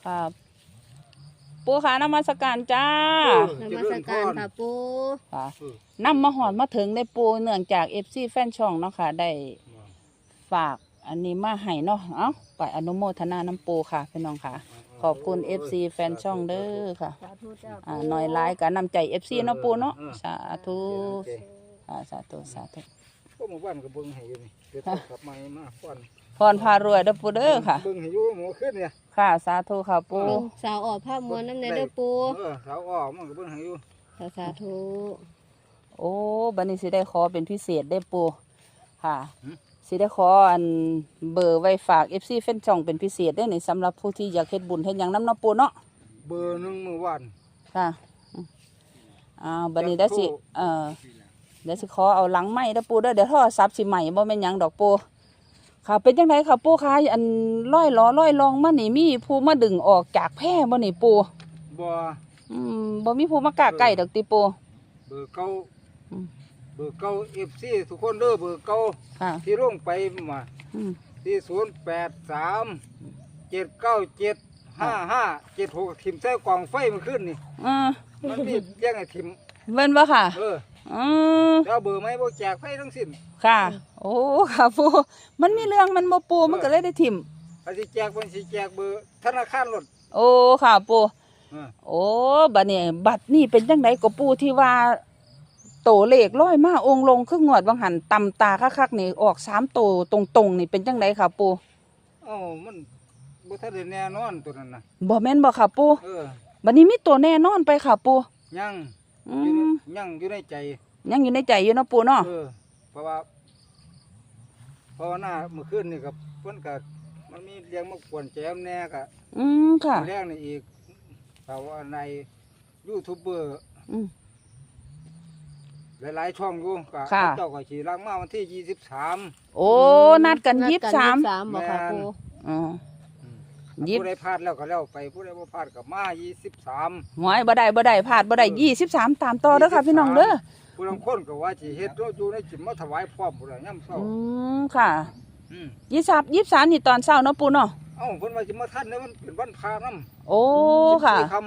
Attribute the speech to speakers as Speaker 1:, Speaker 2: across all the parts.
Speaker 1: ค่ะปูค่ะนมัสการจ้าน
Speaker 2: มัสการค่ะปู
Speaker 1: ค่ะนำมาหอดมาถึงได้ปูเนื่องจากFCแฟนช่องเนาะค่ะได้ฝากอันนี้มาให้เนาะเอ้าไปอนุโมทนาน้ำปูค่ะพี่น้องค่ะขอบคุณ FC แฟนช่องเด้อค่ะ
Speaker 2: สาธุเจ้า
Speaker 1: หน่อยหลายก็นำใจ FC เนาะปูเนาะสาธุสาธุสาธุ
Speaker 3: พวกหมู่บ้านก็เบิ่งให้อยู่นี่เดี๋ยวกลับมาป้อน
Speaker 1: พรพารวยเด้อปูเด้อค่ะ
Speaker 3: เบิ่งให้อยู่หมูขึ้นเนี่ย
Speaker 1: ค่ะสาธุค่ะปู
Speaker 2: สาวออกภาพมวลน้ำในเด้อปู
Speaker 3: สาวอ้อมันก็เบิ่งให้อยู่
Speaker 2: สาธุ
Speaker 1: โอ้บัดนี้สิได้ขอเป็นพิเศษได้ปูค่ะสิได้ขออันเบอร์ไว้ฝาก FC แฟนช่องเป็นพิเศษได้ในสำหรับผู้ที่อยากเฮ็ดบุญเฮ็ดหยังนำเนาะปูเนาะ
Speaker 3: เบอร์หนึงมื้อวาน
Speaker 1: ค่ะบัดนี้ได้สิเดี๋ยวสิขอเอาหลังไม้เด้อปูเด้อเดี๋ยวโทรศัพท์สิใหม่บ่แม่นหยังดอกปูค่ะเป็นจังไดค่ะปูคะอันร้อยล้อร้อยลองมานี่มีผู้มาดึงออกจากแพร่บ่นี่ปู
Speaker 3: บ่
Speaker 1: บ่มีผู้มากล้าใกล้ดอกติปู
Speaker 3: เบอร์เก่า
Speaker 1: อืม
Speaker 3: เบอร์เก่า FC ทุกคนเด้อเบอร์เก่า
Speaker 1: ค่ะ
Speaker 3: ที่ลงไปมา
Speaker 1: อืม
Speaker 3: ที่083 7975576ทิ่มใส่กล่องไฟมันขึ้นนี่มันมีแย่งให้ทิ่ม
Speaker 1: เว้นบ่ค่ะ อืม
Speaker 3: แล้วเบอร์ไหมบ่แจกไฟทั้งสิ้น
Speaker 1: ค่ะ โอ้ค่ะปูมันมีเรื่องมันบ่ปูมันก็เลยได้ถิ่ม
Speaker 3: ถ้าสิแจกมันสิแจกเบอร์ธนาคารรถ
Speaker 1: โอ้ค่ะปูโอ้บัดนี้เป็นจังไดก็ปูที่ว่าโตเลขร้อยมาองค์ลงคืองวดบางหันตำตาคักๆนี่ออก3โตตรงๆนี่เป็นจังไดค่ะปู
Speaker 3: มันบ่ทันได้แน่นอนตัวนั้นน่ะ
Speaker 1: บ่แม่นบ่ค่ะปู
Speaker 3: เ
Speaker 1: บัดนี้มีตัวแน่นอนไปค่ะปู
Speaker 3: ยัง
Speaker 1: อืม
Speaker 3: ยังอยู่ในใจ
Speaker 1: ยังอยู่ในใจอยู่เนาะปูเนาะ
Speaker 3: เพราะว่าหน้าเมื่อคืนนี่กับเพิ่นก็มันมีเรื่องมากวนแจมแน่ก็
Speaker 1: ค่ะ
Speaker 3: แรงนี่อีกแต่ว่าในยูทูบเบอร์
Speaker 1: อืม
Speaker 3: หลายๆช่องอยู่ก็
Speaker 1: ค่ะ
Speaker 3: เจ้าก็สิล้างมาวันที่23
Speaker 1: โอ้นัดกัน23
Speaker 2: บ่ค่ะปู
Speaker 1: อ๋อ
Speaker 3: ผู้ใดพลาดแล้วก็แล้วไปผู้ใดบ่พลาดก็มา23
Speaker 1: หวยบ่ได้พลาดบ่ได้23ตามต่อเด้อค่ะพี่น้องเด้อ
Speaker 3: ผู้ลางคนก็ว่าสิเฮ็ดอยู่ในจิตมาถวายพร้อมพุ่นน่ะยามเช้า
Speaker 1: ค่ะ
Speaker 3: อืม
Speaker 1: 23นี่ตอนเช้าเนาะปูเนาะ
Speaker 3: เพิ่นว่าสิมาทันเนี่ยมันเป็นวันพระนำ
Speaker 1: โอ้ค่ะ
Speaker 3: ค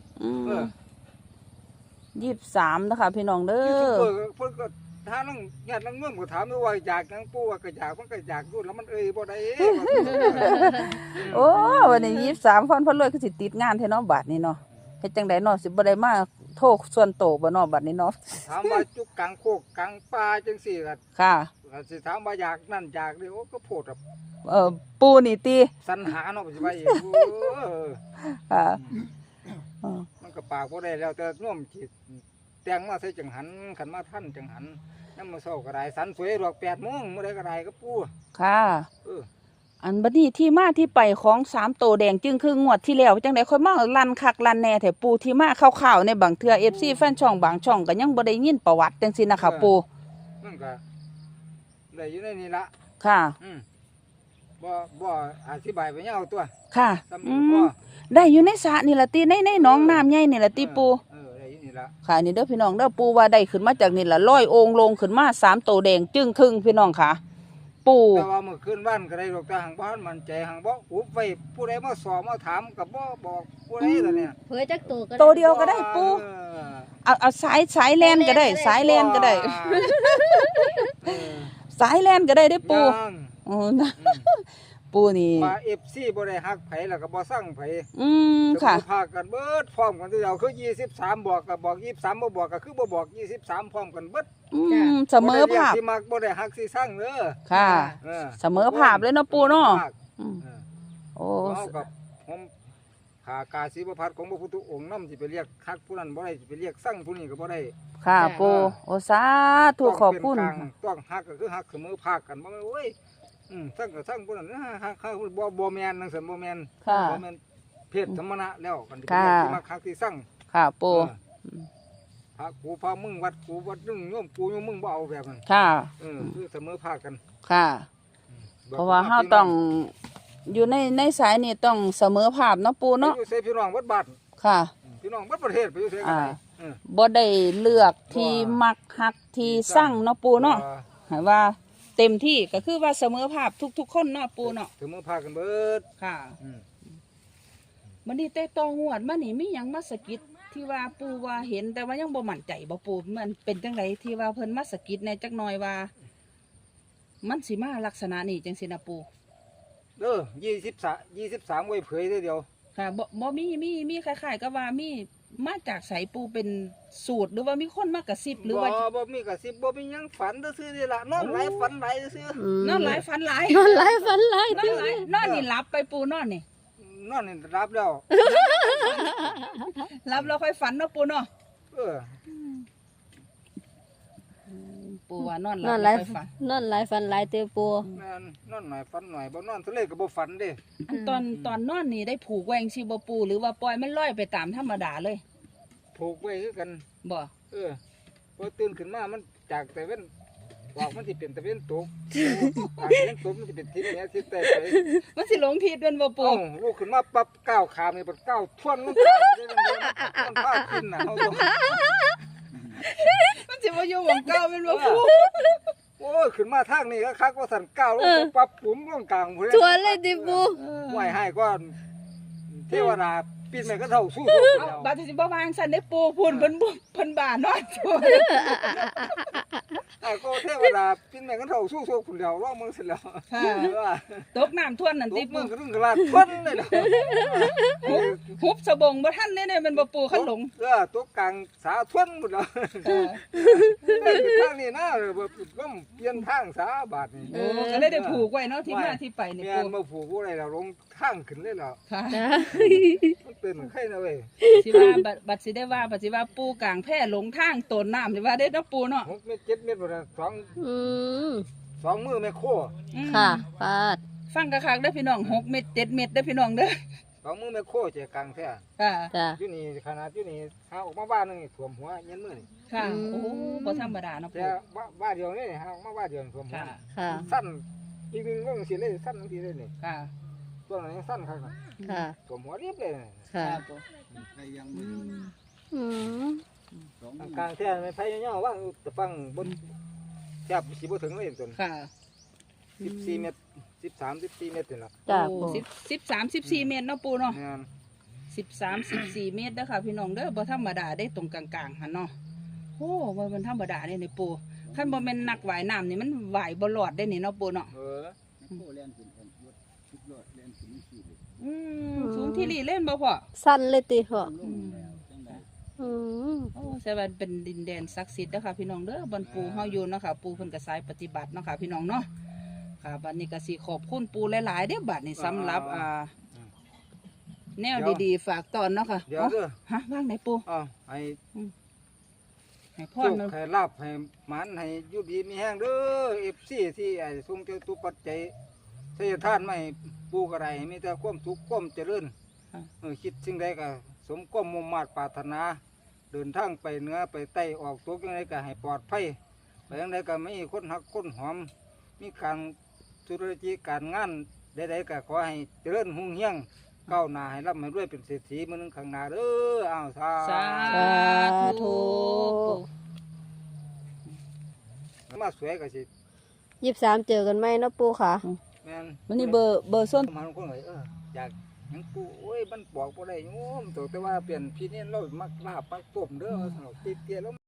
Speaker 1: 23นะคะพี่น้องเด้
Speaker 3: ยูทูบ
Speaker 1: อ
Speaker 3: เบอร์เพิ่นก็ถ้านังญาตินังเมืองก็ถามว่าอยากหยังปู่ว่าก็อยากมันก็อยากอยู่แล้วมันบ่ได้
Speaker 1: โอ้วันนี้23พรรวยคือสิติดงานแท้เนาะบัดนี้เนาะเฮ็ดจังได๋เนาะสิบ่ได้มาโทษส่วนโตวบ่เนาะบัดนี้เนาะ
Speaker 3: ถามว่าจุกกลางโคกกลางป่าจังซี่ก็
Speaker 1: ค่ะ
Speaker 3: สิถามว่าอยากนั่นอยากนี่โอ้ก็โพดแบบ
Speaker 1: ปูนี่ติ
Speaker 3: สรรหาเนาะสิว่าอีก
Speaker 1: ค่ะ
Speaker 3: มันก็ปากบ่ได้แล้วแต่น่วมจิตแต่งมาใส่จังหันขันมาท่านจังหันนำมาเช้าก็ได้สันสวยดอก8:00 นมื้อใดก็ได้ก็ปู่
Speaker 1: ค่ะ
Speaker 3: เออ
Speaker 1: อันบัดนี้ที่มาที่ไปของ3โตวแดงจึงคืองวดที่แล้วจังได๋ค่อยมาลั่นคักลั่นแน่แท้ปูที่มาคร่าวๆในบางเทื่อ FC แฟนช่องบางช่องก็ยังบ่ได้ยินประวัติจังซี่นะคะปู
Speaker 3: มันก็ได้อยู่ในนี้ละ
Speaker 1: ค่ะ
Speaker 3: บ่อธิบายไปยาวตัว
Speaker 1: ค่ะ
Speaker 3: ซ้ำนี้ก็
Speaker 1: ได้อยู่ในสระนี่ล่ะติในหนองน้ำใหญ่นี่ล่ะติปู
Speaker 3: ได้อยู่นี่ละ
Speaker 1: ค่ะนี่เด้อพี่น้องเด้อปูว่าได้ขึ้นมาจากนี่ล่ะลอยองค์ลงขึ้นมา3โตวแดงจึงครึ่งพี่น้องค่ะ ปู
Speaker 3: แต่ว่าเมื่อคืนบ้านก็ได้ดอกแต่หังบ้านมันใจหังบ่อุบไว้ผู้ใดมาสอบมาถามก็บ่บอกผู้ใดล่ะเนี่ย
Speaker 2: เผยจักตัวก็
Speaker 1: โตวเดียวก็ได้ปูเอาสายแลนก็ได้สายแลนก็ได้ สายแลนก็ได้เด้อปูอ๋อนะปูนี่
Speaker 3: มา FC บ่ได้ฮักไผแล้วก็บ่สั่งไผ
Speaker 1: ค่ะ
Speaker 3: พากันเบิดพร้อมกันทีเดียวคือ23บอกก็บอก23บ่บอกก็คือบ่บอก23พร้อมกันเบิด
Speaker 1: เสมอภาพ
Speaker 3: บ่ได้เรียกสิมักบ่ได้ฮักสิสั่งเด้อ
Speaker 1: ค่ะ เสมอภาพเลยเนาะปูเนาะโอ้
Speaker 3: เฮากับผมขากาศิวพัฒน์ของพระพุทธองค์นำสิไปเรียกฮักผู้นั้นบ่ได้สิไปเรียกสั่งผู้นี้ก็บ่ได้
Speaker 1: ค่ะปูโอสาธุขอบคุณ
Speaker 3: ต้องฮักก็คือฮักเสมอภาคกันบ่แม่นโอ้ยสั่งก็สั่งผู้นั้นฮักบ่แม่นจังซั่นบ่แม่น
Speaker 1: ค่ะ
Speaker 3: บ่แม่นเพศสมณะแล้วกันสิ
Speaker 1: ค่ะ
Speaker 3: สิมาฮักสิสั่ง
Speaker 1: ค่ะปู
Speaker 3: พระกูพามึงวัดกูวัดนึงโยมกูโยมมึงบ่เอาแบบนั้น
Speaker 1: ค่ะ
Speaker 3: คือเสมอภาคกัน
Speaker 1: ค่ะ เพราะว่าเฮาต้องอยู่ในสายนี่ต้องเสมอภาพเนาะปูเนาะ
Speaker 3: อยู่ใส่พี่น้องวัดบ้าน
Speaker 1: ค่ะ
Speaker 3: พี่น้องวัดประเทศไปอยู่ใส่กันได้
Speaker 1: บ่ได้เลือกที่มักฮักที่สั่งเนาะปูเนาะให้ว่าเต็มที่ก็คือว่าเสมอภาพทุกๆคนเนาะปูเนาะ
Speaker 3: เสมอภาคกันเบิด
Speaker 1: ค่ะบัดนี้แต่ต่องวดมานี่มีหยังมาสะกิดที่ว่าปู่ว่าเห็นแต่ว่ายังบ่มั่นใจบ่ปู่มันเป็นจังไดที่ว่าเพิ่นมาสะกิดแหน่จักหน่อยว่า มันสิมาลักษณะนี้จังซี่นะปู่
Speaker 3: 23ไว้เผยเดียว
Speaker 1: ค่ะบ่มีคล้ายๆกับว่ามีมาจากไสปู่เป็นสูตรหรือว่ามีคนมากระซิบหรือว่า
Speaker 3: บ่มีกระซิบบ่มีหยังฝันซื่อๆนี่ล่ะนอนหลายฝันหลายซื่อ
Speaker 1: นอนหลายฝันหลาย
Speaker 2: นอนหลายฝันหลาย
Speaker 1: นอนหลายนอนนี่หลับไปปู่นอนนี่
Speaker 3: นอนนี่รับแล้ว
Speaker 1: หลับแล้วค่อยฝันเนาะปู่เนาะ
Speaker 3: เออ
Speaker 1: ปู่ว่านอนหลั
Speaker 2: น
Speaker 1: บ
Speaker 2: อนห
Speaker 1: แล้
Speaker 2: ลา
Speaker 1: วย ค่อยฝัน
Speaker 2: นอนหลายฝันหลายเตียวปู
Speaker 3: แม่นนอนหน่อยฝันหน่อยบ่นอนทะเลก็บ่ฝันเด้
Speaker 1: อันตอนนอนนี่ได้ผูกแวจั่งสิบ่ปู่หรือว่าปล่อยมันลอยไปตามธรรมดาเลย
Speaker 3: ผูกไว้คือกัน
Speaker 1: บ่
Speaker 3: เออพอตื่นขึ้นมามันจากแต่เว้นบอกมันสิเป็นตะเว้นตกจากตะเว้นตกมันสิเป็นทิศเหนือทิศใต้ไป
Speaker 1: มันสิหลงทิศเป็นบ่
Speaker 3: โอ้
Speaker 1: ปู่
Speaker 3: ลูกขึ้นมาปั๊บก้าวขามนี่ปั๊บก้าวทวนลงไปเลยมันพาขึ้นน่ะเฮาต้อง
Speaker 1: มันสิบ่อยู่หม่องเก่าเป็นบ่ปู่
Speaker 3: โอ้ยขึ้นมาทางนี้ก็คักว่าสั่นก้าวลงไปปั๊บปุ๋มลงกลางพุ่น
Speaker 2: ชวนเลยติปู
Speaker 3: ไหวให้ก่อนเทวดาปีนแม่ก็เท่าสู้
Speaker 1: เอ้าบัดนี้สิบ่วางซั่นได้ปู่พุ่นเพิ่นบ้านอนตัว
Speaker 3: ไอ้ก็เทวดาปีนแม่ก็เท่าสู้พุ่นแล้วร้องมึงเสร็จแล้ว
Speaker 1: ค่ะ
Speaker 3: ว่า
Speaker 1: ตกน้ำท่วมนั่น
Speaker 3: ต
Speaker 1: ติ
Speaker 3: กมึ
Speaker 1: ปู่
Speaker 3: งก็ถึงกระลาดทวนเลยล่ะ
Speaker 1: ฮุบสะบงบ่ทันได้เป็นบ่ปู่คันหลง
Speaker 3: ตัวกลางสาทวนหมดแล้ว
Speaker 1: เออ
Speaker 3: ได้ไปทางนี้นะบ่ก็เปลี่ยนทางสาบาทนี่
Speaker 1: โอ้ก็เลยได้ผูกไว้เนาะที่มาที่ไปนี่
Speaker 3: แม่
Speaker 1: ปู่
Speaker 3: นมาผูกอะไรแล้วลงทางขึ้นเลยแล้ว
Speaker 1: ค่ะ
Speaker 3: มันเป็นไข่นะเว้ย
Speaker 1: สิว่าบัดสิได้ว่าบัดสิว่าปู่กลางแพร่หลงทางต้นน้ำสิว่าได้เนาะปู่เนาะ
Speaker 3: 6 เมตร 7 เมตรบ่ได้
Speaker 2: อืม
Speaker 3: สองมือแม่โค
Speaker 1: อืม
Speaker 2: ค่ะปาด
Speaker 1: ฟังคักๆเด้อพี่น้อง6 เม็ด7 เม็ดเด้อพี่น้องเด้อ
Speaker 3: สองมือแม่โคใจกลางแท้
Speaker 1: ค่ะ
Speaker 2: จ้ะ
Speaker 3: อยู่นี่ขนาดอยู่นี่หาออกมาบ้านนึงนี่ท่วมหัวเย็นมือนี่
Speaker 1: ค่ะ
Speaker 2: อืม
Speaker 1: โอ้บ่ธรรมดาเนาะ
Speaker 3: แต่
Speaker 1: ปู่
Speaker 3: บ้านเดียวนี่หาออกมาบ้านเดียวท่วมหัว
Speaker 1: ค่ะ
Speaker 2: ค่ะ
Speaker 3: สั้นอีกนึงก็สิเลยสั้นบางทีเลยนี่
Speaker 1: ค่ะ
Speaker 3: ตัวนั้นยังสั้นครับ
Speaker 2: ค่ะ
Speaker 3: ท่วมหัวเรียบเลยนี่
Speaker 2: ค่ะ
Speaker 1: ปู่
Speaker 2: อืม
Speaker 3: กลางแท้ไม่ไผย่อๆว่าจะฟังบนแทบสิบ่ถึงเลยจน
Speaker 1: ค่ะ
Speaker 3: 14 เมตร 13 14 เมตรนี่ล่ะ
Speaker 2: จ้ะ
Speaker 1: โอ้
Speaker 2: ปู
Speaker 1: 13 14 เมตรเนาะปู่เนาะ
Speaker 3: แม่น
Speaker 1: 13 14 เมตรเด้อค่ะพี่น้องเด้อบ่ธรรมดาได้ตรงกลางๆหั่นเนาะโอ้บ่มันธรรมดาเด้นี่ปู่คันบ่แม่นนักว่ายน้ำนี่มันว่ายบ่รอดได้นี่เนาะปู่เนาะ
Speaker 3: เออ
Speaker 1: อืมสูงที่ลีเล่นบ่พ่อ
Speaker 2: สั้นเลยติพ่อ
Speaker 1: อืม
Speaker 2: อืม
Speaker 1: โอ้แสดงว่าเป็นดินแดนศักดิ์สิทธิ์เด้อค่ะพี่น้องเด้อบอนปู่เฮาอยู่เนาะค่ะปู่เพิ่นก็สายปฏิบัติเนาะค่ะพี่น้องเนาะค่ะบัดนี้ก็สิขอบคุณปู่หลายๆเด้อบัดนี้สำหรับแนวดีๆฝากตอนเนาะค่ะ
Speaker 3: เดี๋ยวเด้อ
Speaker 1: ฮะว่างไหนปู่
Speaker 3: ให้
Speaker 1: ให้พ
Speaker 3: โช
Speaker 1: ร
Speaker 3: ค
Speaker 1: เนาะ
Speaker 3: ให้ลาบให้หมันให้อยู่ดีมีแห้งเด้อ FC ที่ไอ้ทรงเจ้าตุปัจจัยทายทานไม่ปูกระไรมีแต่ความสุขความเจริญคิดสิ่งใดก็สมความมุ่งมา่ปรารถนา เดินทางไปเหนือไปใต้ออกตกยังไงก็ให้ปลอดภัยไปยังไงก็ไม่มีคนหักคนหอม มีการธุรกิจการงานใดๆก็ขอให้เจริญหุ่งเฮียงก้าวหน้าให้ร่ำให้รวยเป็นเศรษฐีมื้อนึงข้างหน้าเด้ออ้าวสา
Speaker 1: สาธุปู่
Speaker 3: มาสวยก็สิ
Speaker 2: 23เจอกันไหมเนาะปูค่ะ
Speaker 3: แม่น
Speaker 1: วันนี้เบอร์ส้น
Speaker 3: มันคนเลยอยากหยังปูโอ้ยมันบอกบ่ได้โยมแต่ว่าเปลี่ยนพี่นี่เรามักลาบมักต้มเด้อสนุกเตี้ยๆแล้ว